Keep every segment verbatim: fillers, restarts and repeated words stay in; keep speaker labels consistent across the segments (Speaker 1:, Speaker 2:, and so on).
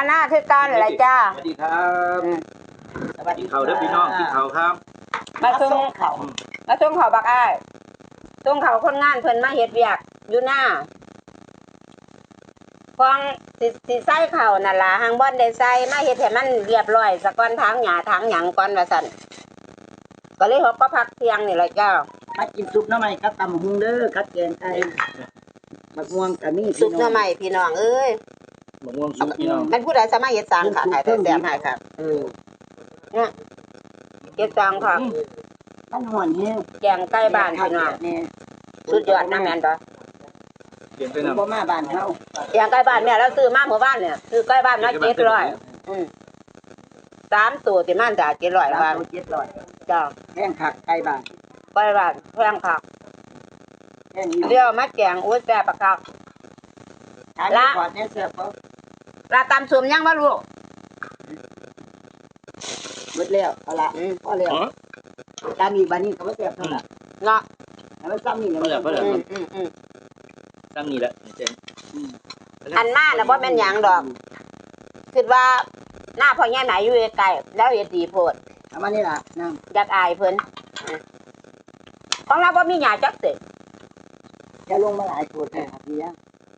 Speaker 1: หน้าคือการอะไรจ้า
Speaker 2: สวัสดีครับสวัสดีเขาเด้อพี่น้องกินเขาครับ
Speaker 1: มาส่งเขามาส่งเขาบักอ้ายส่งเขาคนงานเพิ่นมาเฮ็ดเวียกอยู่หน้าฟองสิสิใส่เขานั่นล่ะหางบ่อนได้ใส่มาเฮ็ดให้มันเรียบร้อยซะก่อนทางหญ้าทางหยังก่อนว่าซั่นก็เลยฮอกก็พักเที่ยงนี่แหละจ้า
Speaker 3: มากินซุปหน่อไม้กับตำหุงเด้อกับแกงไก่มะม่วงก็มี
Speaker 1: ซุปหน่อไม้พี่น้องเอ้ย
Speaker 2: มะม่วงซุปพี่น้อง
Speaker 1: มันผู้ใดสามารถเฮ็ดสร้างค่ะขายแต่แซ่บให้ค่ะเออเนี่ยเฮ็ดสร้างค่ะ
Speaker 3: มันหอนแห้ง
Speaker 1: แกงไก่บ้านพี่น้องสุดยอดนะแม่นบ่
Speaker 2: เปลี่ยนไปนำ
Speaker 3: บ่มาบ้านเฮา
Speaker 1: แกงไก่บ้านแม่เราซื้อมาเมื่อวานเนี่ยซื้อไก่บ้านมาเจ็ดร้อยอืมสามตัวสิมันจ้ะเจ็ดร้อยบาท
Speaker 3: เจ็ดร้อย
Speaker 1: จ้า
Speaker 3: แพงคักไก่บ้าน
Speaker 1: ไก่บ้านแพงคักเดี๋ยวมาแกงอุ้ยแซ่บคัก
Speaker 3: ละขอดเนี่ยเสิร์ฟบ่
Speaker 1: ลาตำส้มยังบ่ลูก
Speaker 3: หมดแล้วเอาละพอแล้วตามอีกบัดนี้ก็บ่แซ่บเท่าล่ะ
Speaker 1: เนาะ
Speaker 3: แล้วซ้ำนี่แหละ
Speaker 2: บ่แล้ว
Speaker 1: อืม
Speaker 2: ๆซ้ำนี่แหละเจ๋ง
Speaker 1: อันมาน่ะบ่แม่นหยังดอกคิดว่าหน้าพ่อใหญ่ไหนอยู่ไกลแล้วเฮ็ดดีโพด
Speaker 3: เอามานี่ล่ะน้ำ
Speaker 1: อยากอายเพิ่นของเราบ่มีหญ้าจักเสร็จ
Speaker 3: จะลงมาหลายตัวแต่ครับพี่ยัง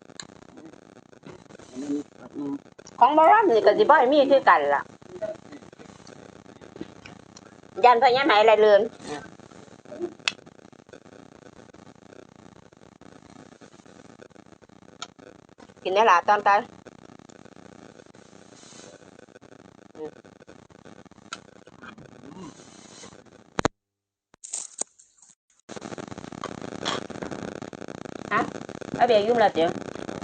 Speaker 1: ของบ่รับนี่ก็สิบ่ให้มีคือกันล่ะยันพ่อใหญ่ไหนอะไรเลือนกินได้ล่ะตอนตายฮะไอเบียยุ่งละเจียว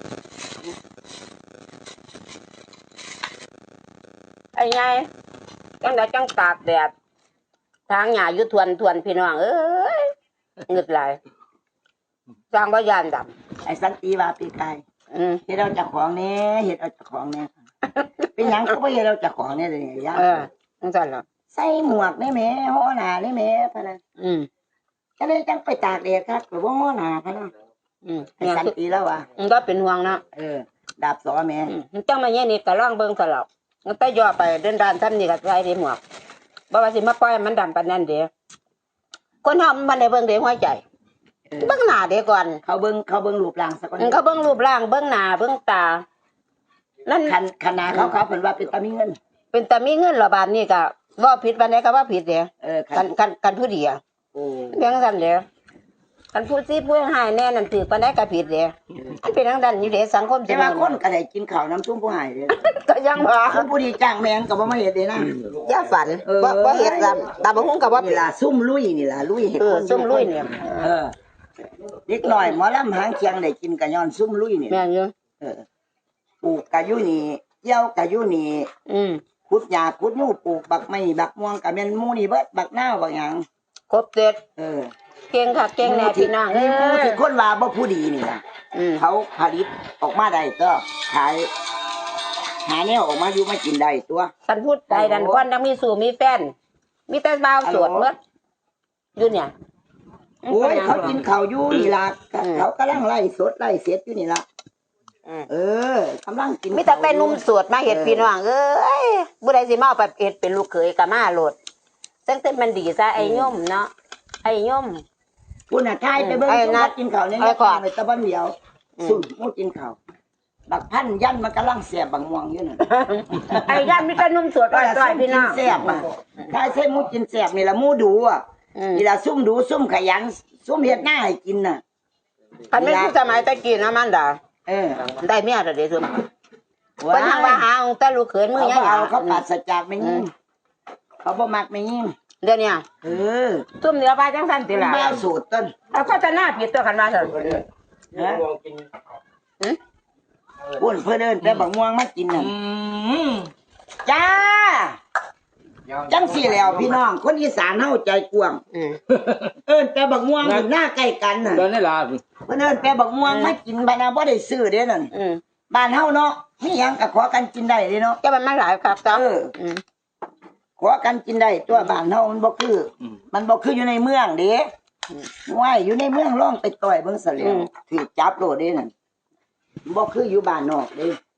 Speaker 1: ไอ้ไงจังได้จังตากแดดทางหญ้าอยู่ทวนทวนพี่น้องเอ้ยงึดไหลสร้างบ่ยานด
Speaker 3: ำไอ้สันติว่าปีกายเฮ็ดเอาจากของแน่เฮ็ดเอาจากของแน่เป็นหยังก็บ่เฮ็ดเอาจากของแน่เลยย่า
Speaker 1: เออจังซั่นล่ะ
Speaker 3: ใส่หมวกได้แม่ฮ้อหน้าได้แม่พะนะ
Speaker 1: อืม
Speaker 3: ก็เลยจังไปตากแดดครับก็บ่ฮ้อหน้าพะนะอืมไอ้สันติแล้วว่ะ
Speaker 1: มันก็เป็นห่วงนะ
Speaker 3: เออดาบสอแม่
Speaker 1: มันจังมาแย่นี่ก็ลองเบิ่งซะแล้วมันแต่ย่อไปเดินด้านซ้ำนี่ก็ใส่ได้หมวกบ่ว่าสิมาปล่อยมันดำปานนั้นเด้คนเฮามันได้เบิ่งเด้หัวใจเบิ่งหน้าเด้ก่อน
Speaker 3: เขาเบิ่งเขาเบิ่งรูปร่างซะก่อน
Speaker 1: เขาเบิ่งรูปร่างเบิ่งหน้าเบิ่งตานั่น
Speaker 3: คันคณะเขาเขาเพิ่นว่าเป็นตามีเงิน
Speaker 1: เป็นตามีเงินระบาดนี่ก็ว่าผิดปานใดก็ว่าผิดเด้เออกันกันกันผู้เดียวโอ้เพียงซั่นเด้กันผู้ซีผู้หายแน่นั่นถือปานใดก็ผิดเด้มันเป็นทางด้านอยู่เด้สังคม
Speaker 3: แต่ว่าคนก็ได้กินข้าวน้ำซุปผู้หายเด้
Speaker 1: ก็ยังว่า
Speaker 3: คนผู้ดีจ้างแม่งก็บ่มาเฮ็ดเด้นะ
Speaker 1: อย่าฝันบ่บ่เฮ็ดตามตาบ่ฮู้ก็บ่
Speaker 3: นี่ล่ะซุ่มลุยนี่ล่ะลุยเฮ็ด
Speaker 1: คนซุ่มลุยเนี่ย
Speaker 3: เออเด็กน้อยหมอลำหางเคียงได้กินก็ย้อนซุ่มลุยนี่
Speaker 1: แม่นอยู่
Speaker 3: เออปลูกก็อยู่นี่เกี่ยวก็อยู่นี่อืมขุดหญ้าขุดยูปลูกบักไม้บักม่วงก็แม่นหมู่นี่เบิดบักนาวบักหยัง
Speaker 1: ครบเสร็จ
Speaker 3: เออ
Speaker 1: เก่งค่ะเก่งแน่พี่น้องเอ้
Speaker 3: ยที่คนว่าบ่ผู้ดีนี่ล่ะเขาผลิตออกมาได้ก็ขายหาแนวออกมาอยู่มากินได้ตัว
Speaker 1: ท่านพูดได้ดันควันยังมีสู่มีแฟนมีแต่บ่าวโสดหมดอยู่เนี่ย
Speaker 3: โอ้ยเขากินข้าวอยู่นี่ล่ะเขากำลังไล่สดไล่เสร็จอยู่นี่ล่ะเออกำลังกิน
Speaker 1: มีแต่เป็นนุ่มสวดมาเฮ็ดพี่น้องเอ้ยบ่ได้สิมาเอาไปเฮ็ดเป็นลูกเขยก็มาโลดจังแต่มันดีซะไอ้ย่อมเนาะไอ้ย่อม
Speaker 3: คุณน่ะทายไปเบิ่งสุนัขกินข้าวเนี่ยนะไปตะบันเดียวสุดมูกินข้าวบักพันยันมันกำลังแสบบักม่วงอยู่นั่น
Speaker 1: ไอ้ยันมีแต่นุ่มสวดอ้อยๆพี่น้อง
Speaker 3: แสบอ่ะทายใส่มูกินแสบนี่ล่ะมูดูอ่ะนี่ล่ะซุ่มดูซุ่มขยันซุ่มเฮ็ดหน้าให้กินน่ะ
Speaker 1: คันแม่นสมัยตะกี้นะมันดาเออได้เมียแล้วเด้ซุ่มเพิ่นยังว่าหาองแต่ลูกเขยมือยัง
Speaker 3: เอาเขาปราศจากไม่ยิงเขาบ่มักไม่ยิง
Speaker 1: เดี๋ยวนี้
Speaker 3: เออ
Speaker 1: ซุ่มเดี๋ยวไปจังซั่นติล่ะ
Speaker 3: แมวสูตรต้น
Speaker 1: เอาก็จะหน้าผิดตัวกันมาซั่น
Speaker 3: ฮะหึพุ่นเพิ่นเอิ้นแต่บักม่วงมากินน่ะจ้าจังสี่แล้วพี่น้องคนอีสานเฮาใจกว้างเอิ้นแต่บักม่วงอยู่หน้าใกล้กันน่ะ
Speaker 2: เดินได้ล่ะ
Speaker 3: เพิ่นเอิ้นแต่บักม่วงมากินบัดน่ะบ่ได้ซื้อเด้นั่นบ้านเฮาเนาะมีหยังก็ขอกันกินได้เด้เนาะ
Speaker 1: แต่มันมาหลายครับจ้า
Speaker 3: เออขอกันกินได้ตัวบ้านเฮามันบ่คือมันบ่คืออยู่ในเมืองเด้ว้ายอยู่ในเมืองลองไปต่อยเบิ่งซะแล้วถูกจับโลดเด้นั่นบ่คืออยู่บ้านนอกเด้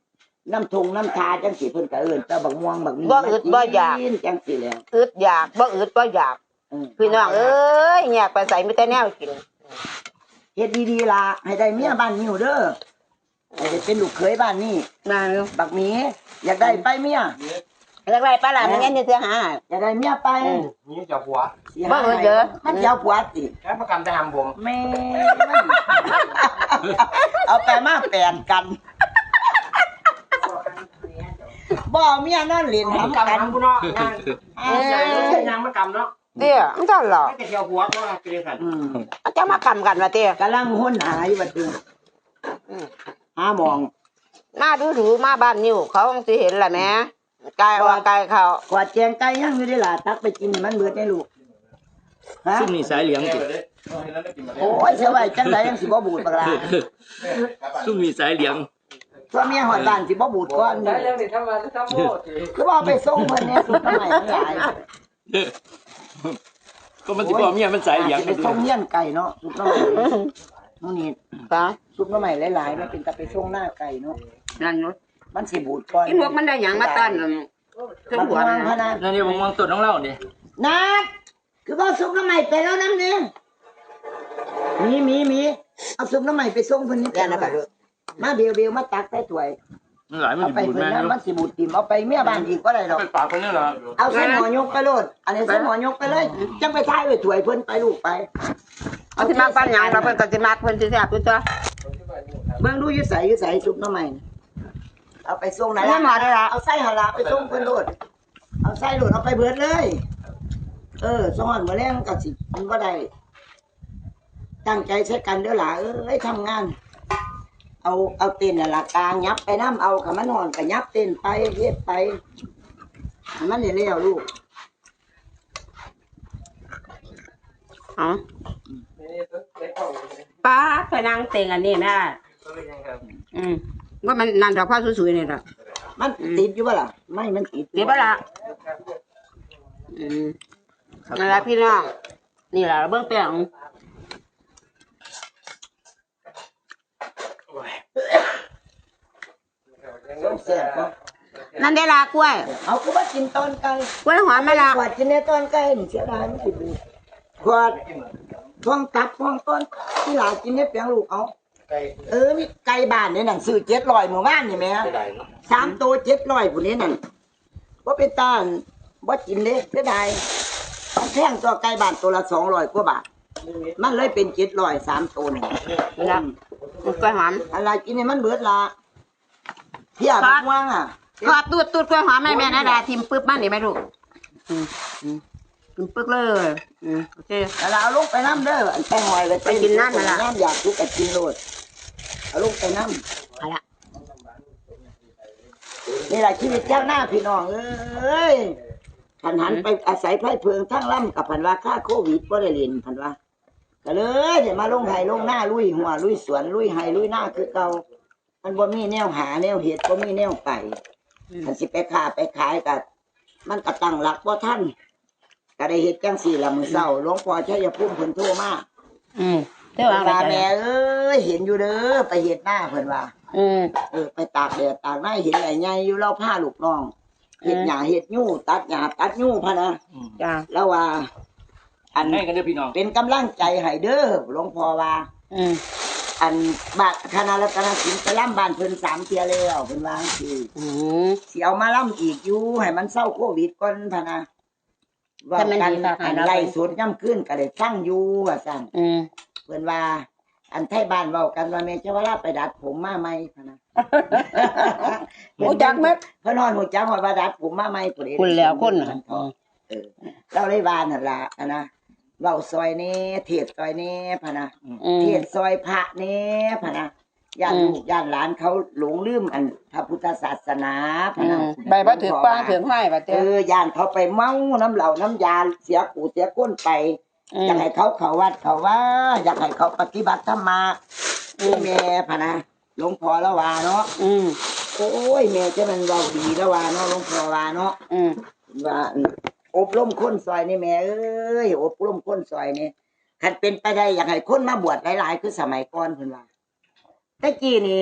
Speaker 3: น้ำทงน้ำทาจังสิเพิ่นก็เอิ้นแต่บักม่วงบักนี้
Speaker 1: บ่อึดบ่อยาก
Speaker 3: จังสิแหล้ว
Speaker 1: อึดอยากบ่อึดบ่อยาก
Speaker 3: เออ
Speaker 1: พี่น้องเอ้ยอยากไปใส่มีแต่แนวกิน
Speaker 3: เฮ็ดดีๆล่ะให้ได้เมียบ้านนิ้วเด้อให้ได้เป็นลูกเขยบ้านนี้
Speaker 1: นั่น
Speaker 3: บักหมีอยากได้ไปเมีย
Speaker 1: แล้วไรป้าล่ะมันงั้นจะเสียหา
Speaker 3: อยากได้เมียไป
Speaker 2: นี่เจ้าผัว
Speaker 3: สิหา
Speaker 1: บ่เอิ้นเด้อ
Speaker 3: มันสิเอาผัวติ
Speaker 2: แค่ประกำจะทำผม
Speaker 3: แม่มันเอาไปมาแปลนกันบ่เอาเมียนอนเล่น
Speaker 2: ผม
Speaker 3: หำ
Speaker 2: กำ
Speaker 3: กัน
Speaker 2: ทำกูเนาะงานใหญ่ใช่ยังมากำเนาะ
Speaker 1: เตี้ยมันทันหรอก
Speaker 2: ไม่แต่เที่ยวผัวก็เกลียดกัน
Speaker 3: อืม
Speaker 1: มันจะมากำกันว่าเตี้ย
Speaker 3: กำลังห้นหาอยู่บัดนี้หาหมอง
Speaker 1: หน้าดูถูมาบ้านนิ้วเขาคงสิเห็นแหละแม่กายว่ากายเขา
Speaker 3: กวาดแจงไก่ยังอยู่ได้ล่ะตักไปกินให้มันเบิดได้ลูกฮะ
Speaker 2: ซุ่มนี่สายเหลียงจิ
Speaker 3: โอ้ยเสียไว้จังไดยังสิบ่บูดบักล่ะ
Speaker 2: ซุ่มนี่สายเหลียง
Speaker 3: ตัวเมียหอดบ้านสิบ่บูดก่อนนี่
Speaker 4: เรื่องนี้ทำมาทำโมด
Speaker 3: คือว่าเอาไปส่งเพิ่นเนี่ยสุดทำไมมันหลาย
Speaker 2: ก็มันสิบอกเมียมันสายเหลียง
Speaker 3: สิไปส่งเงี้ยนไก่เนาะสุดทำไมนู่นนี่
Speaker 1: ปะ
Speaker 3: สุดทำไมหลายๆมันเป็นตะไปส่งหน้าไก่เนาะ
Speaker 1: นั่นเนาะ
Speaker 3: มันสิบูดก่อน
Speaker 1: อีพวกมันได้หยังมาต้อนเครื่อง
Speaker 3: มัน
Speaker 1: หัว
Speaker 3: วางพ
Speaker 1: นะ
Speaker 3: นัน
Speaker 2: นั่นนี่ผมมองต้นของเราดิ
Speaker 3: นัดคือว่าซุปน้ำใหม่ไปแล้วน้ำหนึงมีมีมีเอาซุปน้ำใหม่ไปส่งเพิ่นนี่
Speaker 1: แกนะปะลูก
Speaker 3: มาเบียวเบียวมาตักใส่ถ้วย
Speaker 2: มันหลายมัน
Speaker 3: เอา
Speaker 2: สิ
Speaker 3: ไป
Speaker 2: บูด
Speaker 3: เพิ่น
Speaker 2: แม่
Speaker 3: นั้นมันสิบูดติ่มเอาไปเมียบ้านอีกก็ได้ดอก
Speaker 2: ไปปากคนนี้เหรอ
Speaker 3: เอาใส่หมอยกไปโลดอันนี้ใส่หมอยกไปเลยจังไปท้ายไว้ถ้วยเพิ่นไปลูกไป
Speaker 1: เอาสิมาปั้นหยังเราเพิ่นก็สิมาเพิ่นสิแซ่บอยู่ตัว
Speaker 3: เบิ่งดูอยู่ใส่อยู่ใส่ซุปน้ำใหม่เอาไปส่งไหน
Speaker 1: ไม่หมดเลยล่ะ
Speaker 3: เอาใส่หนละไปส่งเพิ่นโลดเอาใส่โลดเอาไปเบิดเลย เออสอนมื้อแรงก็สิมันบ่ได้ตั้งใจใช้กันเด้อหล่ะเอ้ยทำงาน เอาเอาเต้นน่ะล่ะกลางยับไปน้ำเอาขมันห่อนก็ยับเต้นไปเฮ็ดไปให้มันได้แล้วลูก
Speaker 1: อ๋อ
Speaker 4: นี่ต้องเล็กเข้า
Speaker 1: ป้าไปนั่งเต็งอันนี้แม่อืมว่ามันนั่นดอกผ้าสวยๆนี่ล่ะ
Speaker 3: มันติดอยู่บ่ล่ะไม่มันติดอยู่
Speaker 1: เดี๋ยวบ่ล่ะอืมนั่นล่ะพี่น้องนี่ล่ะเบิ่งแป้ง
Speaker 3: ส้มแซ่บบ่
Speaker 1: นั่นได้ลากล้วย
Speaker 3: เอาคือว่ากินตอนไก่
Speaker 1: กล้วยหอมไหมล่ะ
Speaker 3: ขวดกินในตอนไก่นี่เสียดายมันสิบูดขวดท้องตับท้องต้นที่หลากินในเปียงลูกเอาเออมีไก่บ้านนี่นั่นซื้อเจ็ดร้อยหมู่บ้านนี่แหม่สามตัวเจ็ดร้อยผู้นี้นั่นว่าเป็นตาลว่ากินเด้เสียดายมันแพงตัวไก่บ้านตัวละสองร้อยกว่าบาทมันเลยเป็นเจ็ดร้อยสามตัวนี่
Speaker 1: นะกล้วยหอม
Speaker 3: อะไรกินให้มันเบิดละเพี่ยบักม่วงอ่ะ
Speaker 1: ขอตูดตูดกล้วยหอมให้แม่นะดาทิมปึ๊บมันนี่ไหมลูกอืมอืมทิมปึ๊กเลยอืมโอเค
Speaker 3: แล้วเราเอาลงไปน้ำเด้ออันแป้งหอยไว้
Speaker 1: ไปกินน้ำนั่นล่ะ
Speaker 3: น้ำอยากทุกข์กับกินโลดเอาลงไปน้
Speaker 1: เอาละ
Speaker 3: ำนี่แหละชีวิตเจ้าหน้าพี่น้องเอ้ยผันหันไปอาศัยไพ่เพิงทั้งล่ำกับผันว่าค่าโควิดก็ได้เรียนผันว่าก็เลยเดี๋ยวมาลงไห้ลงหน้าลุยหัวลุยสวนลุยไห้ลุยหน้าคือเก่ามันบ่มีแนวหาแนวเห็ดบ่มีแนวไปมันสิไปค้าไปขายกับมันก็ตั้งหลักบ่ท่านก็ได้เฮ็ดจังสี่ละมื้อเช้าหลวงพ่อชัยภูมิเพิ่นโทรมา
Speaker 1: อืมเจ้า
Speaker 3: เพิ่
Speaker 1: วาง
Speaker 3: นว่า
Speaker 1: อะไร
Speaker 3: แม่เอ้ยเห็นอยู่เด้อไปเฮ็ดหน้าเพิ่นว่า
Speaker 1: อืม
Speaker 3: เออไปตากแดดตากหน้าเห็นใหญ่ใหญ่อยู่เราผ้าลูกน้องเฮ็ดหญ้าเฮ็ดยู่ตัดหญ้าตัดยู่พะนะ
Speaker 1: จ้า
Speaker 3: แล้วว่า อัน
Speaker 2: ให้กันเด้อพี่น้อง
Speaker 3: เป็นกำลังใจให้เด้อหลวงพ่อว่า
Speaker 1: อืม
Speaker 3: อันบาทคณะรัตนศิลป์ไปล่ำบ้านเพิ่นสามเที่ยแล้วเพิ่นว่าสิ
Speaker 1: อืม
Speaker 3: สิเอามาล่ำอีกอยู่ให้มันเศร้าโควิดก่อนพะนะว่า
Speaker 1: แต่มัน
Speaker 3: กัน
Speaker 1: ดีค่ะ
Speaker 3: อัน
Speaker 1: ให้เรา
Speaker 3: ไล่สดย่ำขึ้นก็ได้ฟังอยู่ว่าซั่น
Speaker 1: อืม
Speaker 3: เพิ่นว่า อันไทยบ้านเว้ากันว่าแม่เจ้าว่าลาไปดัดผมมาใหม่พะนะ
Speaker 1: โอ้จักเม็ด
Speaker 3: เพิ่นนอนหูจักว่าว่าดัดผมมาใหม่พุ่นเอง
Speaker 1: คุณแล้วคนน่ะ
Speaker 3: เออเราเลยว่านั่นล่ะอะนะเว้าซอยนี้เทศซอยนี้พะนะ
Speaker 1: อืม
Speaker 3: เทศซอยพระนี้พะนะย่าน
Speaker 1: อืม
Speaker 3: ลูกย่านหลานเขาหลงลืมอันพระพุทธศาสนาพะ
Speaker 1: อื
Speaker 3: นะ
Speaker 1: มใบบ่ถือป้างถือห้อยบ่
Speaker 3: เอ
Speaker 1: เจ้า
Speaker 3: อย่านเขาไปเมาน้ำเหล่าน้ำยาเสียกูเสียก้นไป
Speaker 1: อื
Speaker 3: อยาม กให้เขาเขาวัดเขาว่า อยากให้เขาปฏิบัติธรรมะ
Speaker 1: อืม
Speaker 3: แม่พะนะหลวงพ่อละว่าเนาะ
Speaker 1: อืม
Speaker 3: โอ้ยแม่จะมันเว้าดีละว่าเนาะหลวงพ่อว่าเนาะ
Speaker 1: อืม
Speaker 3: ว่าอบรมคนซอยนี่แม่เอ้ยอบรมคนซอยนี่คันเป็นไปได้อยากให้คนมาบวชหลายๆคือสมัยก่อนเพิ่นว่าแต่กี้นี่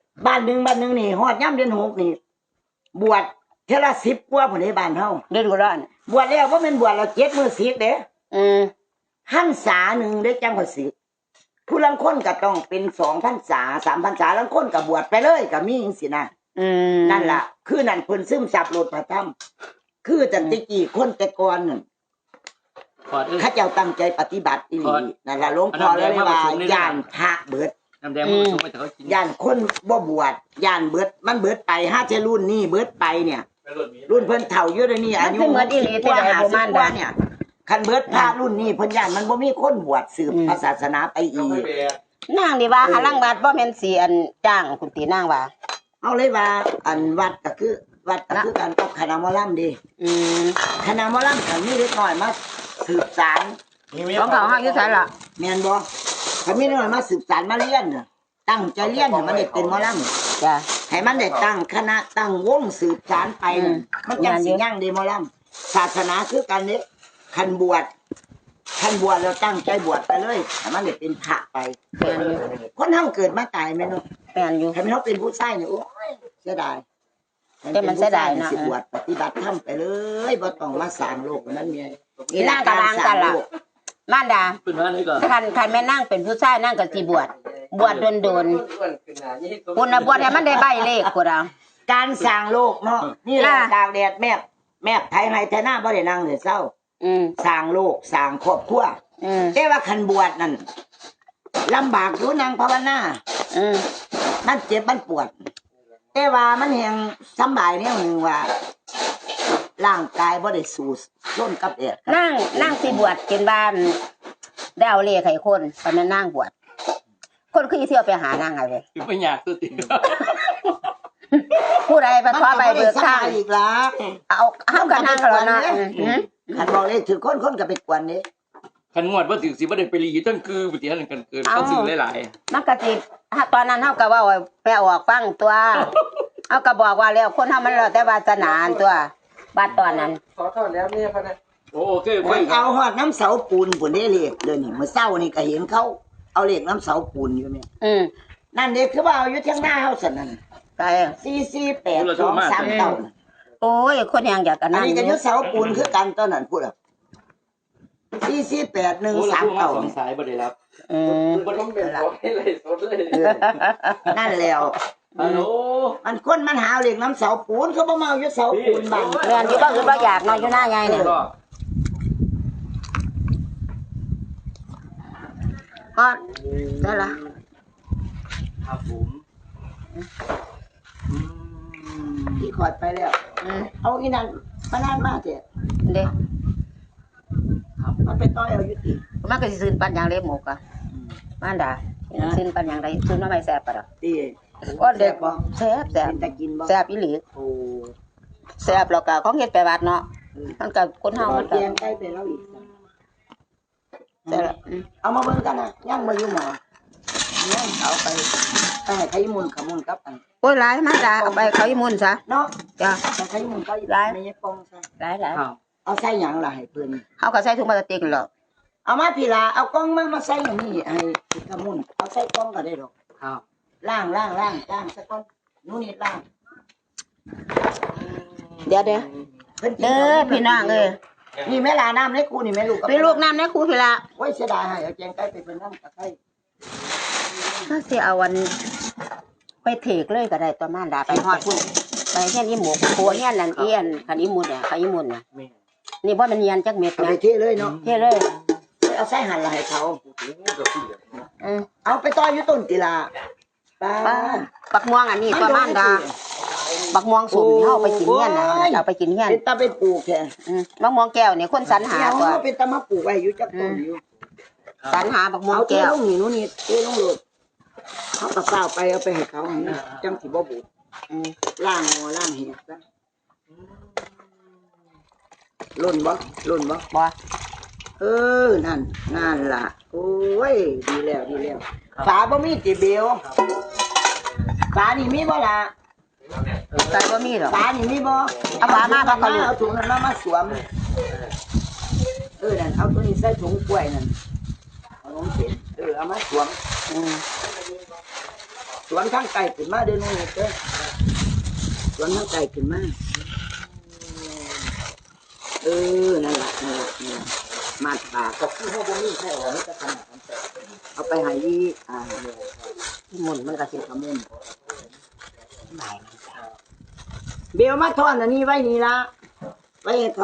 Speaker 3: บ้านหนึ่งบ้านหนึ่งนี่ฮอดย่ำเดือนหกนี่บวชเทอละสิบกว่าผลในบ้านเฮา
Speaker 1: เดือนกุร้อน
Speaker 3: บวชแล้วว่าเป็นบวชเราเจ็ดมือสิกเด้
Speaker 1: อืม
Speaker 3: หันษาหนึ่งได้จังกว่าสิกผู้ลังคนก็ต้องเป็นสองพันษาสามพันษาลังคนก็บวชไปเลยก็มีจังสินะ
Speaker 1: อืม
Speaker 3: นั่นล่ะคือนั่นเพิ่นซึมซับโลดพระธรรมคือจังตะกี้คนแต่ก่อนนั่น
Speaker 2: ขอดเอ้ย
Speaker 3: ข้าเจ้าตั้งใจปฏิบัติอีหลีนั่นล่ะหลวงพ่อเลยว่าย่านพระเบิด
Speaker 2: น้ำแดงมันสูงไปแต่เขากิน
Speaker 3: ย่านคนบ่บวชย่านเบิดมันเบิดไปห้าเจรุ่นนี่เบิดไปเนี่ย รุ่นเพิ่นเฒ่าอยู่เดี๋ยวนี้อายุกว่าห้าสิบกว่าเนี่ยคันเบิดพระรุ่นนี้เพิ่นย่านมันบ่มีคนบวชสืบพระศาสนาไปอีก
Speaker 1: นางดีว่าหาลังวัดบ่แม่นสิอันจ้างคุณตีนางว่า
Speaker 3: เอาเลยว่าอันวัดก็คือวัดก็คือการกับคณะหมอลำดี
Speaker 1: อืม
Speaker 3: คณะหมอลำก็มีเล็กน้อยมาสืบสาร
Speaker 1: ของเขาเฮาอยู่ไสล่ะ
Speaker 3: แม่นบ่ถ้ามีเล็กน้อยมาสืบสารมาเรียนน่ะตั้งใจเรียนให้มันได้เป็นหมอลำ
Speaker 1: จ้ะ
Speaker 3: ให้มันได้ตั้งคณะตั้งวงสืบสารไป
Speaker 1: อืม
Speaker 3: มันจังสิยั่งเดหมอลำศาสนาคือกันนี้คันบวชคันบวชแล้วตั้งใจบวชไปเลยให้มันได้เป็นพระไป
Speaker 1: แม่นอยู่
Speaker 3: คนเฮาเกิดมาตายแม่นเนาะ
Speaker 1: แม่นอยู่
Speaker 3: ให้มันเฮาเป็นผู้ชายนี่โอ้ยเสียดาย
Speaker 1: แต่มันเสียดายนะ
Speaker 3: สิบวชปฏิบัติธรรมไปเลยบ่ต้องมาสร้างโลกนั้นเนี่ย
Speaker 1: นี่นางกะวางกันล่ะมารดา
Speaker 2: เป็นว่านี่ก็
Speaker 1: คันคันแม่นางเป็นผู้ชายนางก็สิบวชบวชโดน
Speaker 4: อ้วนขึ้นหน้ายี่สิบ
Speaker 1: ๆพุ่นน่ะบวชให้มันได้ใบเลขพุ่นอ่ะ
Speaker 3: การสร้างโลกเนาะนี่แหละ
Speaker 1: ล่ะ
Speaker 3: ตากแดดแมบแมบไทยไห้ไทยหน้าบ่ได้นั่งเลยเศร้า
Speaker 1: อืม
Speaker 3: สร้างโลกสร้างครอบครัว
Speaker 1: อืม
Speaker 3: แต่ว่าคันบวชนั่นลำบากอยู่นางภาวนา
Speaker 1: อืม
Speaker 3: มันเจ็บมันปวด แต่ว่ามันยังสำบายเนี่ยหนึ่งว่าร่างกายบ่ได้สู้ร่นกับแดด
Speaker 1: นางนางสิบวชกินบ้านได้เอาเลขให้คนปานนั้นนางบวชคนคือเที่ยวไปหานางให้เลย
Speaker 2: คือไม่อยากตัวติด
Speaker 1: ผู้ใดไปขอใบเบิกทาง
Speaker 3: อีกละ
Speaker 1: เอาเฮากันนางแล้วนะอืม
Speaker 3: คันบอกเลยถือคนคนก็ไปกวนนี่
Speaker 2: คันงวดว่าถึงสิบ่ได้ไปรีตั้งคือปฏิหันกันเกินเขาซื้อหลาย
Speaker 1: มันก็สิถ้าตอนนั้นเฮาก็เว้าไปออกฟังตัวเฮาก็บอกว่าแล้วคนเฮามันแล้วแต่วาสนาอันตัวบัดตอนนั้น
Speaker 4: ขอโทษแล้วเนี่ยพะนะ
Speaker 2: ๆโอ้โอเคไป
Speaker 3: มันเอาหอดน้ำเสาปูนปุ่นได้เลขเดี๋ยวนี้เมื่อเช้านี่ก็เห็นเขาเอาเลขน้ำเสาปูนอยู่เนี่ย
Speaker 1: อืม
Speaker 3: นั่นเด็กคือว่าเอาอยู่เที่ยงหน้าเฮาสั่นนั่น
Speaker 1: ไป
Speaker 3: สี่สี่แปดสองสามเก้า
Speaker 1: โอ้ยคนยังอยากกัน
Speaker 3: อัน
Speaker 1: นั่น
Speaker 3: นี้ก็อยู่เสาปูนคือกันตอนนั้นพูดอ่ะสี่สี่แปดหนึ่ง
Speaker 2: โอ้
Speaker 3: สาม
Speaker 2: เรา
Speaker 3: เก้า
Speaker 2: สองสายบ่ได้รับ
Speaker 1: อืม
Speaker 4: บ่ต้องเป็นของให้เลยสดเลย
Speaker 3: นั่นแล้ว
Speaker 2: ฮัลโหล
Speaker 3: มันคนมันหาเหล็กน้ำเสาปูนเขาบ่มาเอาอยู่เสาปูนบ้าน
Speaker 1: แม่นอยู่บ่คือบ่อยากนอนอยู่หน้าใหญ่นี่
Speaker 2: ก็
Speaker 1: ฮอดได้ละ
Speaker 2: ครับผม
Speaker 3: ที่ขอดไปแล้ว
Speaker 1: อืม
Speaker 3: เอาอีนั่นมานานมากเถอะ
Speaker 1: เด้
Speaker 3: มันไปต้อยเอาอยู่ติ
Speaker 1: มันก็สิซื้อปันอย่างเล็บหมกอ่ะมานดาซื้อปันอย่างใดซื้อมาไม่แซ่บปะดอก
Speaker 3: ตี
Speaker 1: โอ้เด็กบ่แซ่บแซ่บ
Speaker 3: เป็นตะกินบ่
Speaker 1: แซ่บอีหลี
Speaker 3: โอ้
Speaker 1: แซ่บแล้วก็ของเฮ็ดไปวัดเนาะมันก็คนเฮา
Speaker 3: เอา
Speaker 1: มัน
Speaker 3: แก
Speaker 1: ก็
Speaker 3: งไก่ไปแล้วอีก
Speaker 1: แซ่บอืม
Speaker 3: เอามาเบิ่งกันนะย่างมาอยู่หมอย่างเอาไปไปให้ไข่มุนขมุนกับอัน
Speaker 1: โอ้ยหลายมาดาเอาไปเขาอีมุ่นซะ
Speaker 3: เนาะ
Speaker 1: จ้ะ
Speaker 3: ไปไข่มุนก็ไม่ใช่ปองซะ
Speaker 1: หลายหลาย
Speaker 2: ครับ
Speaker 3: เอาใส่หยังล่ะให้เพิ่น
Speaker 1: เฮาก็ใส่ถุงพลาสติกหรอก
Speaker 3: เอามาพี่ลาเอากล้องมามาใส่อย่างนี้ให้ขมุนเอาใส่กล้องก็ได้ดอก
Speaker 2: ครับ
Speaker 3: ล่างล่างล่างล่างสักก้อนนู่นนี่ล่าง
Speaker 1: เดี๋ยวเด้อ
Speaker 3: เพิ่นกิน
Speaker 1: เด้อพี่น้องเอ้ย
Speaker 3: นี่แม่ลาน้ำให้กูนี่แม่ลูก
Speaker 1: พี่ลูกน้ำในครูพี่ละ
Speaker 3: โอ้ยเสียดายให้เอาแกงไก่ไปเป็นน้ำตะไคร้
Speaker 1: ถ้าสิเอาวันไปเถกเลยก็ได้ตัวมานดาไปฮอดพุ่นไปเฮียนอีหมูโคเฮียนนั่นเอียนคันอีหมุนเนี่ยคันอีหมุนน่ะ
Speaker 2: แม่
Speaker 1: นี่บ่มันเยียนจักเม็ด
Speaker 3: เอา
Speaker 1: นะ
Speaker 3: ไปเทเลยเนาะ
Speaker 1: เท่เลย
Speaker 3: เอาใส่หั่นละให้เขา
Speaker 1: อืม
Speaker 3: เอาไปต่ออยู่ต้นติลาป้า
Speaker 1: ป้าบักม่วงอันนี้ตัวมานดาบักม่วงสุกนี่เฮาไปกินเฮียนน่ะเอาไปกินเฮียน
Speaker 3: เป็นตาเป็นปลูกแค่
Speaker 1: อืมบักม่วงแก้วนี่คนสรรหา
Speaker 3: เดี๋ยว
Speaker 1: ตัว
Speaker 3: เขาเป็นตามาปลูกไว้อยู่จักต้นอยู่
Speaker 1: สรรหาบักม่วง
Speaker 3: เอาเท
Speaker 1: แก้ว
Speaker 3: ลงนี่นู่นนี่เทลงโลดเขาก็เปล่าไปเอาไปให้เขาให้จังสิบ่บูด
Speaker 1: อืม
Speaker 3: ล่างหัวล่างเห็ดซะล่นบ่ล่นบ่
Speaker 1: บ่
Speaker 3: เออนั่นนั่นล่ะโอ้ยดีแล้วดีแล้วฝาบ่มีติเบลฝานี่มีบ่ล่ะ
Speaker 1: ใส่บ่มีหรอก
Speaker 3: ฝานี่มีบ่
Speaker 1: เอาฝามาเขาก็รู้
Speaker 3: เอาถุงนั้นมามาสวมเออนั่นเอาตัวนี้ใส่ถุงกล้วยนั่นเอาลงเสร็จเออเอามาสวม
Speaker 1: อืม
Speaker 3: สวนข้างไก่ขึ้นมาเดินนู่นเด้อสวนข้างไก่ขึ้นมาเออนั่นแหละนั่นแหละนั่นแหละมาตาก็คือเขาบ่มีแค่ว่ามันจะทำของแต่เอาไปให้อีอ่าหมุนมันก็สิขมุนไหนเบลมาทอนอันนี้ไว้นี่ละไว้ให้เขา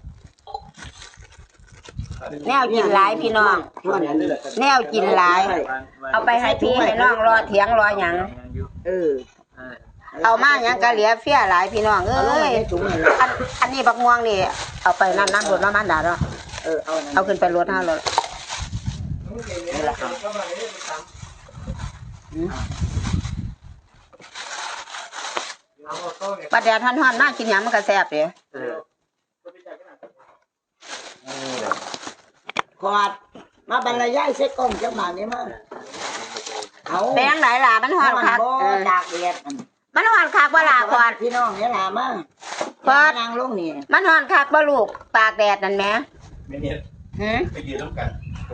Speaker 1: แนวกินหลายพี่น้อง
Speaker 3: ทอนอันนี้
Speaker 1: แนวกินหลาย เอาไปให้พี่ให้น้องรอเถียงรอหยัง
Speaker 3: เออ
Speaker 1: เอามาหยังก็เหลือเฟี้ยหลายพี่น้องเอ้
Speaker 3: เอาลงไป
Speaker 1: ย
Speaker 3: ในถุงนั่นละ
Speaker 1: อันอันนี้บักม่วงนี่เอาไปนั่นนั่นรถน้ำมันดาเนาะ
Speaker 3: เออเอานั่น
Speaker 1: เอาขึ้นไปรถห้ารถ
Speaker 3: นี่ละครับ
Speaker 1: ปลาแดดท่อนๆน่ากินหยังมันก็แซ่บเด้
Speaker 3: ขอดมาบรรยายเซ็กกล้องจังหวะนี้มาเอา
Speaker 1: แบงหลายหล่ะมันหอนคัก
Speaker 3: บ่
Speaker 1: เออ
Speaker 3: ตากแดด
Speaker 1: มันหอนคักบ่ล่ะขอด
Speaker 3: พี่น้องเนี่ยล่ะมา
Speaker 1: ขอด
Speaker 3: นางลงนี่
Speaker 1: มันหอนคักบ่ลูกตากแดดนั่นแหม
Speaker 2: ไม่เนี่ย
Speaker 1: หือ
Speaker 2: ไปยืนน้ำกัน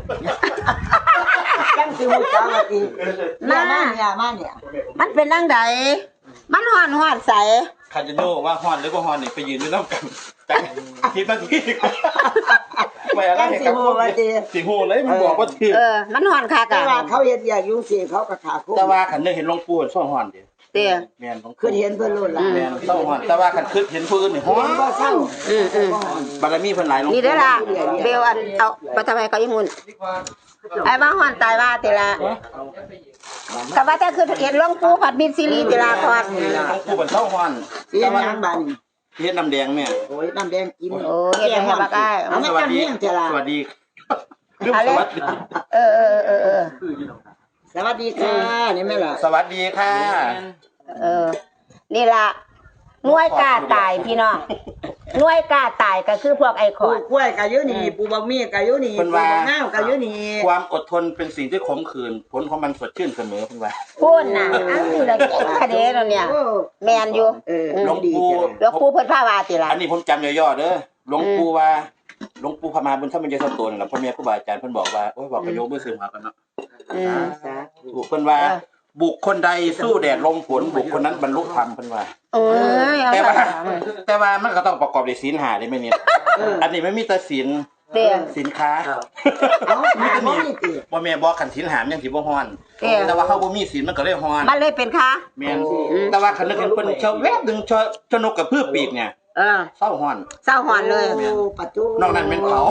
Speaker 3: จังสิฮู้จักว่าติมามาเนี่ยมาเนี่ย
Speaker 1: มันเป็นจังไดมันหอนหอนใส
Speaker 5: คาจิโน่ว่าฮอนหรือว่าฮอนนี่ไปยืนอยู่น้ำกันจังคิดนาทีไม่อะไร
Speaker 3: จัง
Speaker 5: ให้
Speaker 3: สิ
Speaker 5: กับ
Speaker 3: ฮู้ว่าติ
Speaker 5: สิฮู้เลยมันบอกว่าถือ
Speaker 1: เออ มันหอนคัก
Speaker 3: แต่
Speaker 1: อ่ะ
Speaker 3: ว่าเขาเฮ็ดอยากยุ่งสิเขาก็ขาคุ้ม
Speaker 5: แต่ว่าขันนึกเห็นหลวงปู่ซ่องฮอนเดียว
Speaker 1: เด้อ
Speaker 5: แม่นหลวง
Speaker 3: คือ
Speaker 5: ปู่
Speaker 3: เห็นเพิ่นโลดล่ะ
Speaker 5: แม่นซ่องฮอนแต่ว่าขันคึกเห็นผู้อื่นนี่ฮอ
Speaker 3: เห็
Speaker 5: น
Speaker 3: นบ่เศร้า
Speaker 1: อืมอืม
Speaker 5: บารมีเพิ่นหลายหลวง
Speaker 1: นี่
Speaker 5: ปู่
Speaker 1: เด้อล่ะเบลอันเอาไปทำไมเขาอีหุ่นไอ้ว่าหอนตายว่าติละก็ว่าแต่คือเห็นหลวงปู่ผัดมิตรซีรีส์ติละพอด
Speaker 5: หลวงปู่เป็นซ่องฮอน
Speaker 3: เสียงยังบาดนี่
Speaker 5: เฮ็ดน้ำแดงแม่
Speaker 3: โอ้ยน้ำแดงกิน
Speaker 1: โอ้เฮ็ดให้บักอ้าย
Speaker 3: เอามา
Speaker 5: สวัส
Speaker 3: จำ
Speaker 5: ดี
Speaker 3: เนียงเถอะล่ะ
Speaker 5: สวัสดีลืม
Speaker 1: เอา
Speaker 5: ส
Speaker 1: เลย
Speaker 5: วัสดี
Speaker 1: เออเออเออเออ
Speaker 3: สวัสดีค่ะนี่แม่ล่ะ
Speaker 5: สวัสดีค่ะ
Speaker 1: เออ นี่ล่ะหน่วยกล้าตายพี่น้องหน่วยกล้าตายก็คือพวกไอ้ข
Speaker 3: ปลู
Speaker 1: อด
Speaker 3: กกล้วยก็อยู่นี่ปลูกบะหมี่ก็อยู่นี่ปลูกบะนาวก็อยู่นี่
Speaker 5: ความอดทนเป็นสิ่งที่ขมขื่นผลของมันสดชื่นเสมอเพิ่นว่า
Speaker 1: พูดน่ะอันนี้เราเก่งคดีแล้วเนี่ย
Speaker 3: โอ้
Speaker 1: แมนอยู่
Speaker 3: เออ
Speaker 5: หลวงปู่
Speaker 1: หลวงปู่เพิ่นพาวาติล่ะ
Speaker 5: อันนี้ผมจำย่อๆเด้อหลวงปู่ว่าหลวงปู่พมาบุญธรรมยศโตนล่ะพ่อแม่ครูบาอาจารย์เพิ่นบอกว่าโอ้ยบอกประโยคมือซื้อมากันเนาะ
Speaker 1: อืม
Speaker 3: สาธุ
Speaker 5: ถูกเพิ่นว่า บุคคลใดสู้แดดลมฝนบุคคลนั้นบรรลุธรรมเพิ่นว่า
Speaker 1: โอ้ยเอา
Speaker 5: แต่
Speaker 1: ซะ
Speaker 5: ว่าแต่ว่ามันก็ต้องประกอบด้วยศีลห้าได้ไหมเนี่ยอันนี้ไม่มีแต่ศีล
Speaker 1: เตี้ย
Speaker 5: สินค้า
Speaker 3: เอ้ามีแต่บ่มีติ
Speaker 5: บ่แม่นบ่คันศีลห้ามันยังสิบ่ฮ้อน
Speaker 1: เตี้ย
Speaker 5: แต่ว่าเขาบ่มีศีลมันก็เลยฮ้อน
Speaker 1: มันเลยเป็นค่ะ
Speaker 5: แม่นแต่ว่าคันนึกเห็นเพิ่นชอบแวบดึงชอชนกกับพืชปีกเนี่ย
Speaker 1: เออ
Speaker 5: เศร้าฮ้อน
Speaker 1: เศร้าหอนเลย
Speaker 3: โอ้ปัจจุ
Speaker 5: นอกนั้นเป็นเขา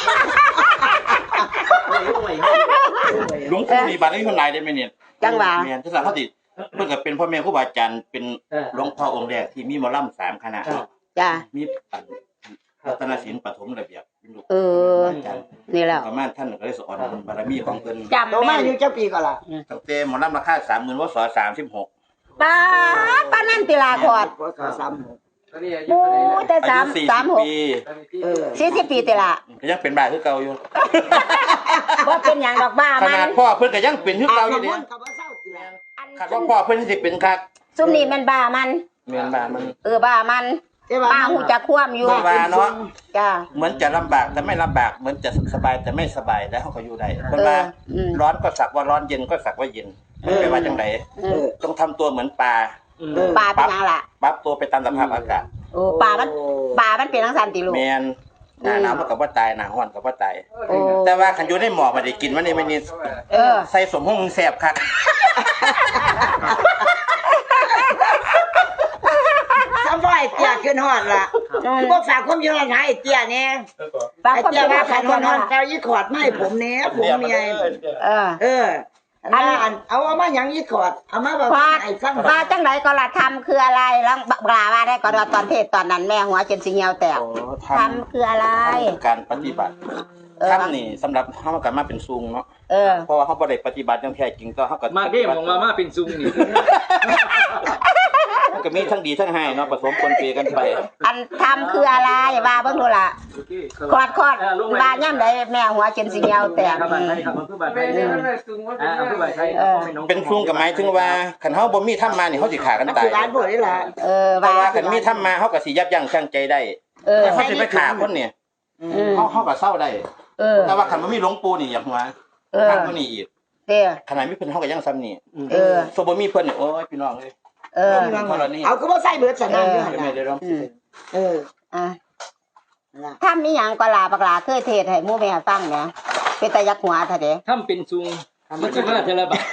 Speaker 5: หลวงปู่มีบารมีเพิ่นหลายได้ไหมเนี่ย
Speaker 1: จังหวะ
Speaker 5: แม่นที่สาเขาติเพิ่นก็เป็นพ่อแม่ครูบาอาจารย์เป็นหลวงพ่อองค์แรกที่มีหมอลำสามคณะ
Speaker 1: จ้า
Speaker 5: มีอันรัตนศิลป์ปฐมระเบียบเป็นลูก
Speaker 1: เออ
Speaker 5: อาจารย์
Speaker 1: นี่แล้ว
Speaker 5: ประมาณท่านก็ได้สอนบารมีของเพิ่น
Speaker 1: จำ
Speaker 3: โต
Speaker 1: แม่
Speaker 3: มาน อยู่เจ้าปีก็ล่ะ
Speaker 5: ตั้งแต่หมอลำราคาสามหมื่นวศสามสิบหก
Speaker 1: ป้าดป้านั่นติลาขอด
Speaker 3: พศสามหก
Speaker 4: ตอนนี้อายุ
Speaker 1: ปู
Speaker 4: เท่าไหร่นะ
Speaker 1: แต่
Speaker 5: อา
Speaker 1: สา
Speaker 5: ยุ
Speaker 1: ม
Speaker 5: สี่
Speaker 1: สา
Speaker 5: สิ
Speaker 1: ม
Speaker 5: บ
Speaker 1: หก
Speaker 5: ปี
Speaker 3: เออ
Speaker 1: สี่สิบปีติละ
Speaker 5: ก็ยังเป็นบ้าคือเก่าอยู่
Speaker 1: ว่าเป็นอย่างดอกบ้า
Speaker 5: ข
Speaker 1: มั
Speaker 5: นาด
Speaker 1: น
Speaker 5: พ่อเพิ่นก็ยังเป็นคือ
Speaker 3: อา
Speaker 5: เก่า
Speaker 3: บ
Speaker 5: อยู่
Speaker 3: น้ำม
Speaker 5: เนี่ย
Speaker 3: นต์ก็บ่เศร้าติล่ะ
Speaker 5: คันว่าพ่อเพิ่นสิเป็นคัก
Speaker 1: ซุมนี่มันบ้ามัน
Speaker 5: แม่นบ้ามัน
Speaker 1: เออบ้ามัน
Speaker 3: แต่ว่า
Speaker 1: บ้าหูจะคว่ำอยู่
Speaker 5: บ้าเนาะ
Speaker 1: จ้า
Speaker 5: เหมือนจะลำบากแต่ไม่ลำบากเหมือนจะสบายแต่ไม่สบายแล้วเขาก็อยู่ได้เพิ่นว่า
Speaker 1: อืม
Speaker 5: ร้อนก็สักว่าร้อนเย็นก็สักว่าเย็นมันเป็นว่าจังได
Speaker 1: อื
Speaker 3: เอ
Speaker 1: ม
Speaker 3: อ
Speaker 5: ต้องทำตัวเหมือนปลา
Speaker 3: เออ
Speaker 1: ปลาเป็นหยังล่ะ
Speaker 5: ปรับตัวไปตามสภาพอากาศ
Speaker 1: โอ้ปลามันปลามันเป็นทั้งสันติลูก
Speaker 5: แมนหน้าหนาวมันก็บ่ตายหน้าร้อนก็บ่ตาย
Speaker 1: โอ้
Speaker 5: แต่ว่าคันอยู่ในหมอกมันได้กินมันนี่มันนี่
Speaker 1: เออ
Speaker 5: ใส่สมห้องแซ่บคัก
Speaker 3: ทำบ่ไอ้เตี้ยขึ้นฮอดล่ะพวกฝากความอยู่หลายไอ้เตี้ยเนี่ย
Speaker 1: ปลา
Speaker 3: ไอ้
Speaker 1: คน
Speaker 3: เตี้ย
Speaker 1: เป็น
Speaker 3: ว่า
Speaker 1: อา
Speaker 3: ขั
Speaker 1: หาร
Speaker 3: น
Speaker 1: ค
Speaker 3: ฮอน นฮ
Speaker 1: นั่
Speaker 3: อน น
Speaker 1: ล่ะ
Speaker 3: เจ้ายี่ขอดไม่ผมเนี่ยผมเมีย
Speaker 1: เออ
Speaker 3: เอออันนั้นอันเอาเอามาหยังยี่ขอดเอามาบอก
Speaker 1: พอ
Speaker 3: ไอ้ฟัง
Speaker 1: ปลาจังไหนก็ละทำคืออะไรแล้วปลาว่าได้ก็ตอนเทศตอนนั้นแม่หัวจนสิเหี่ยวแตก
Speaker 5: โอ้ท
Speaker 1: ทำคืออะไร
Speaker 5: ำการปฏิบัติ
Speaker 1: เออ
Speaker 5: ทำนี่สำหรับเฮาก็มาเป็นซุงเนาะ
Speaker 1: เออ
Speaker 5: เพราะว่าเฮาบ่ได้ปฏิบัติอย่างแท้จริงก็เฮาก็
Speaker 2: มาเด้มองมามาเป็นซุงนี่
Speaker 5: มันก็มีทั้งดีทั้งให้เนาะผสมปนเปกันไป
Speaker 1: อันทำคืออะไรว่าเบิ่งดูล่ะคอดคอดว่าย่ำใดแม่หัวจนสิเหี่ยวแตก
Speaker 2: ครับบ้านไทยครับมันคือบ้านไท
Speaker 4: ไม่
Speaker 2: ย
Speaker 4: ได้
Speaker 2: อ่า
Speaker 4: ไม่ได้ซุงว่าเป็น
Speaker 2: คือบ้านไทย
Speaker 5: เป็นซุงก็หมายถึงว่าคันเฮาบ่มีธรรมมานี่เฮาสิฆ่ากัน
Speaker 3: นัก
Speaker 5: ตาย
Speaker 3: กีฬาพวกนี้แหละ
Speaker 1: เออ
Speaker 5: แต่
Speaker 1: ว่า
Speaker 5: ว่าคันมีธรรมมาเฮาก็สิยับยั้งชั่งใจได้
Speaker 1: เออ
Speaker 5: แต่เขาสิไปฆ่าคนเนี่ย
Speaker 1: อืม
Speaker 5: เฮาเฮาก็เศร้าได้
Speaker 1: เออ
Speaker 5: แต่ว่าคันบ่มีหลวงปู่นี่อยากหัว
Speaker 1: เออ
Speaker 5: ทางคนนี้อีก
Speaker 1: เด้อ
Speaker 5: ขนาดมีเพิ่นเฮาก็ยังซ้ำนี่
Speaker 1: เออ
Speaker 5: โซบ่มีเพิ่นเนี่ยโอ้ยพี่น้องเอ้ย
Speaker 1: เออ
Speaker 3: เอาก็บ่ใส่เบิดสนั่นอยู่หั่น
Speaker 5: ไม่
Speaker 3: น่ะ
Speaker 5: ได้ร้อง
Speaker 1: อืม
Speaker 3: เออ
Speaker 1: อ่ะ
Speaker 3: นั่นล่ะ
Speaker 1: ถ้ามีหยังก็ลาบักลาเคยเทศให้หมู่แม่ฟังแหมเป็นตายักหัวซะเด้
Speaker 2: ทำเป็นซุงมันสิมาเทละบาท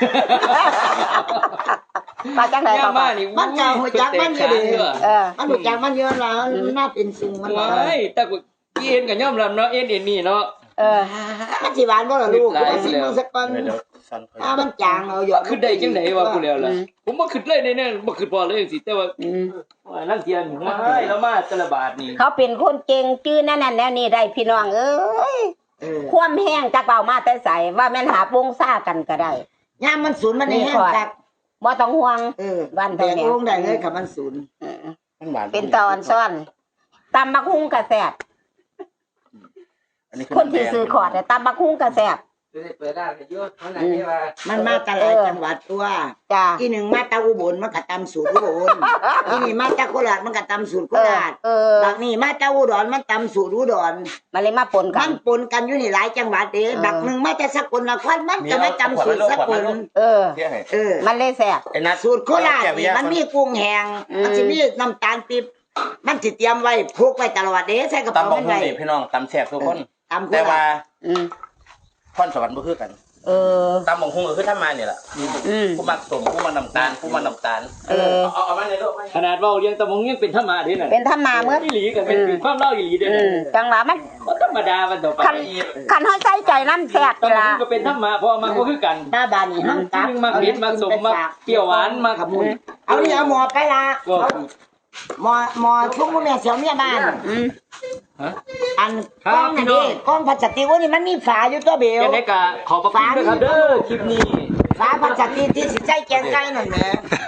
Speaker 1: ปาจังได๋
Speaker 2: ย่า
Speaker 1: ก็
Speaker 2: มา
Speaker 1: ว่า
Speaker 2: นี่
Speaker 3: มันก็หัวจักมันอยู่ดิ
Speaker 1: เออ
Speaker 3: มันรู้จักมันเยอะแล้วมันน่าเป็นซุงมัน
Speaker 2: ว้ายแต่กูเอ็นก็ยอมรับเนาะเอ็นเอ็นนี่เนาะ
Speaker 1: เออ
Speaker 3: มันสิหวานบ่ล่ะลูกเอาสิมันสักก่อน
Speaker 5: ไม่ได้สั่น
Speaker 3: ถ้ามันจางเอาหยอด
Speaker 2: ขึ้นได้จังได๋วะกูแล้วล่ะผมบ่ขึ้นเลยแน่ๆบ่ขึ้นพอเลยจังซี่แต่ว่า
Speaker 1: อืม
Speaker 2: ว่านั่นเทียนว้ายแล้วมาแต่ละบาทนี่
Speaker 1: เขาเป็นคนเก่งจื้อนั่นนั่นแล้วนี่ได้พี่น้องเอ้ย
Speaker 3: เออ
Speaker 1: ความแห้งจักเบามาแต่ใสว่าแม่นหาวงซ่ากันก็ได้
Speaker 3: ยามมันสูญมันได้แห้งจัก
Speaker 1: บ่ต้องห่วง
Speaker 3: เออ
Speaker 1: บ้าน
Speaker 3: แต่
Speaker 1: เท่านี้
Speaker 3: ลงได้เลยค่ะมันสูญ
Speaker 1: เออ
Speaker 5: มันหวาน
Speaker 1: เป็นตอนซ่อนตำบักฮุ้งกระแสบ
Speaker 5: อันนี้
Speaker 1: คนที่ซื้อขอดเนี่ยตำบักฮุ้งกระแสบ
Speaker 4: จะได้เปิดร้านให้อยู่เท่านั้นนี่ว่า
Speaker 3: มันมาแต่หลายจังหวัดตัว
Speaker 1: จ้า
Speaker 3: อีหนึ่งมาตาอุบลมันก็ตำสูตรอุบลอีนี่มาตาโคราชมันก็ตำสูตรโค
Speaker 1: เออ
Speaker 3: ราช
Speaker 1: เออบ
Speaker 3: างนี่มาตาอุดรมันตำสูตรอุดร
Speaker 1: มันเลยมาปนกั
Speaker 3: มัน นปนกันอยู่นี่หลายจังหวัดเด้บักหนึ่งมาแต่สกลนครมันก็ไม่ตำสูตรสกล
Speaker 1: เออ
Speaker 5: เที่ยงให้
Speaker 3: เออ
Speaker 1: มันเลยแสบ
Speaker 5: ไอ้นัด
Speaker 3: สูตรโคราชนี่มันมีกุ้งแห้ง
Speaker 1: อืม
Speaker 3: มันจะมีน้ำตาลปี๊บมันสิเตรียมไว้พกไว้ตลอดเด้ใส่กระเป๋า
Speaker 5: ตำบัก
Speaker 3: มัน
Speaker 5: หุ่ง
Speaker 3: ไว้
Speaker 5: นี่พี่น้องตำแซ่บทุกคน
Speaker 3: ตำโค
Speaker 5: แต่
Speaker 3: รา
Speaker 5: ว่า
Speaker 3: ช
Speaker 1: อืม
Speaker 5: พรสวรรค์บ่คือกัน
Speaker 1: เออ
Speaker 5: ตำบักหุ่งก็คือทำมานี่ล่ะ
Speaker 1: อืม
Speaker 5: ผู้มักสมผู้มักน้ำตาลผู้มักน้ำตาล
Speaker 1: เออ
Speaker 5: เอาเอามาในโลก
Speaker 2: ขนาดเว้าเรียงตะมงยังเป็นธรรมะเด้นั่น
Speaker 1: เป็นธรรมาเมื่อ
Speaker 2: อีหลีก็เป็นเป็นความเล่าอีหลีเด้
Speaker 1: อื
Speaker 2: นั่
Speaker 1: ม
Speaker 2: น
Speaker 1: จังหวะมัน
Speaker 2: บ่ธรรมดามันต่อไป
Speaker 1: คันคันเฮาใส่ใจน้ำแสบ
Speaker 2: ตะ
Speaker 1: เว
Speaker 2: ม
Speaker 1: ลา
Speaker 2: งก็เป็นธรรมะเพราะมันก็คือกัน
Speaker 3: หน้าบ้านนี่ห้ามตัก
Speaker 2: มักเผ็ดมักสมมักเปรี้ยวหวานมัก
Speaker 3: ขมุนเอานี่เอาหมอไปละ
Speaker 2: ก็
Speaker 3: หมอหมอชุ่มมือแม่เสียวเมียบ้าน
Speaker 1: อืม
Speaker 2: ฮะ
Speaker 3: อัน
Speaker 2: ครับ
Speaker 3: กล้องนี่
Speaker 2: พี่น้
Speaker 3: ดิ
Speaker 2: อง
Speaker 3: กล้องพลาสติกว่านี่มันมีฝาอยู่ตัวเบล
Speaker 2: แค่นี้ก็ขอบพระคุณด้วยครับเด้อคลิปนี้
Speaker 3: ฝาพลาสติกที่สิใจแกงไก่นั่นแหละ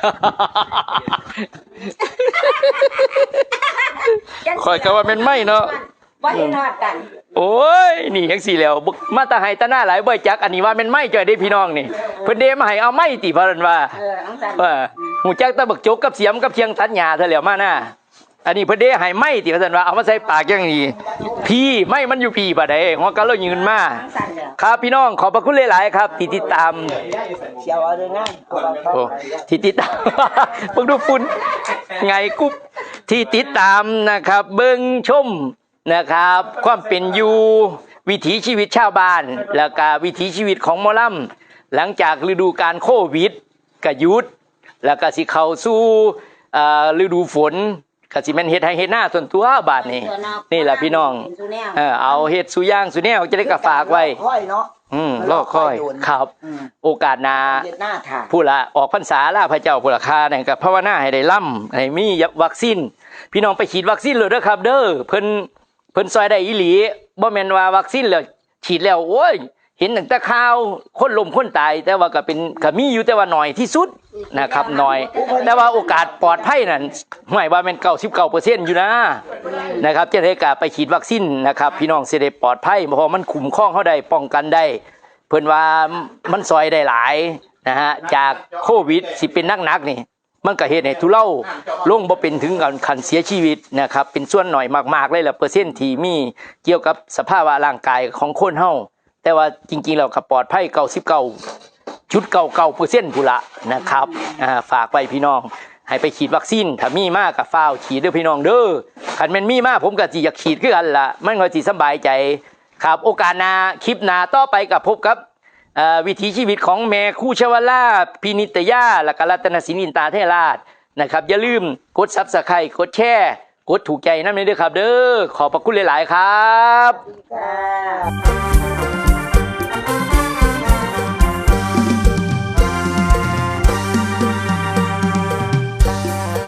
Speaker 2: คอยก็ว่าเป็นไม่เนาะ
Speaker 1: บ่เห็นฮอดกัน
Speaker 2: โอ้ยนี่จังซี่แล้วบึกมาตาให้ตาหน้าหลายบ่จักอันนี้ว่าเป็นไม่จ่อยได้พี่น้องนี่เพิ่นเดมาให้เอาไม่ติเพิ่นว่า
Speaker 1: เอออังสัน
Speaker 2: ว่าหูจักตะบักจกกับเสียมกับเชียงตัดหญ้าเท่าแล้วมาหน้าอันนี้เพิ่นเดให้ไม่ติเพิ่นว่าเอามาใส่ปากจังนี้พี่ไม่มันอยู่พี่บ่ได้หัวกะเรายืนมา
Speaker 1: อังสันเด้อ
Speaker 2: ครับพี่น้องขอบพระคุณหลายๆครับที่ติดตาม
Speaker 3: เสียวเอาเลยนะเอาไปเข้า
Speaker 2: โอ้ที่ติดตาม เบิ่งดูฝุ่นไงกุ๊บที่ติดตามนะครับ เบิ่งชมนะครับ ความเป็นอยู่วิถีชีวิตชาวบ้าน แล้วก็วิถีชีวิตของหมอลำหลังจากฤดูการโควิดก็หยุด แล้วก็สิเข้าสู่เอ่อฤดูฝนก็สิแม่นเฮ็ดให้เฮ็ดหน้าส่วนตัวบาดนี้ นี่แหละพี่น้องเออเอาเฮ็ดสุย่างสุแนวจะได้ก็ฝากไว้
Speaker 3: ค่อยเนาะ
Speaker 2: อืมรอคอยครับ
Speaker 3: อืม
Speaker 2: โอกาสหน้า
Speaker 3: เฮ็ดหน้าถ่า
Speaker 2: ผู้ละออกพรรษาล่าพระเจ้าผู้ละคาเนี่ยกับภาวนาให้ได้ล่ำให้มีวัคซีนพี่น้องไปฉีดวัคซีนเลยเด้อครับ เด้อเพิ่นเพิ่นซอยได้อีหลีบ่แม่นว่าวัคซีนแล้วฉีดแล้วโอ้ยเห็นตั้งแต่ข่าวคนล้มคนตาย แต่ว่าก็เป็นก็มีอยู่แต่ว่าน้อยที่สุดนะครับน้อย แต่ว่าโอกาสปลอดภัยนั่นหมายว่าแม่นเก้าสิบเก้าเปอร์เซ็นต์อยู่นะนะครับจะได้กาไปฉีดวัคซีนนะครับ พี่น้องสิได้ปลอดภัยเพราะมันคุ้มครองเฮาได้ป้องกันได้ เพิ่นว่ามันซอยได้หลายนะฮะจากโควิดสิเป็นนักๆนี่มันก็เฮ็ดให้ทุเลาลงบ่เป็นถึงกับคันเสียชีวิตนะครับเป็นส่วนหน่อยมากๆเลยล่ะเปอร์เซ็นต์ที่มีเกี่ยวกับสภาวะร่างกายของคนเฮาแต่ว่าจริงๆแล้วก็ปลอดภัยเก้าสิบเก้าจุดเก้าเก้าเปอร์เซ็นต์พุ่นละนะครับอ่าฝากไว้พี่น้องให้ไปฉีดวัคซีนถ้ามีมากก็ฟ้าวฉีดเด้อพี่น้องเด้อคันแม่นมีมากผมก็สิอยากฉีดคือกันล่ะมันก็สิสบายใจครับโอกาสหน้าคลิปหน้าต่อไปก็พบกับวิถีชีวิตของแม่คู่ชวลาพินิตยาและก็รัตนศินินตาเทราชนะครับอย่าลืมกด ซับสไครบ์ กดแชร์กดถูกใจนั่นเองด้วยครับเด้อขอบพระคุณหลายๆครับ
Speaker 3: จ้า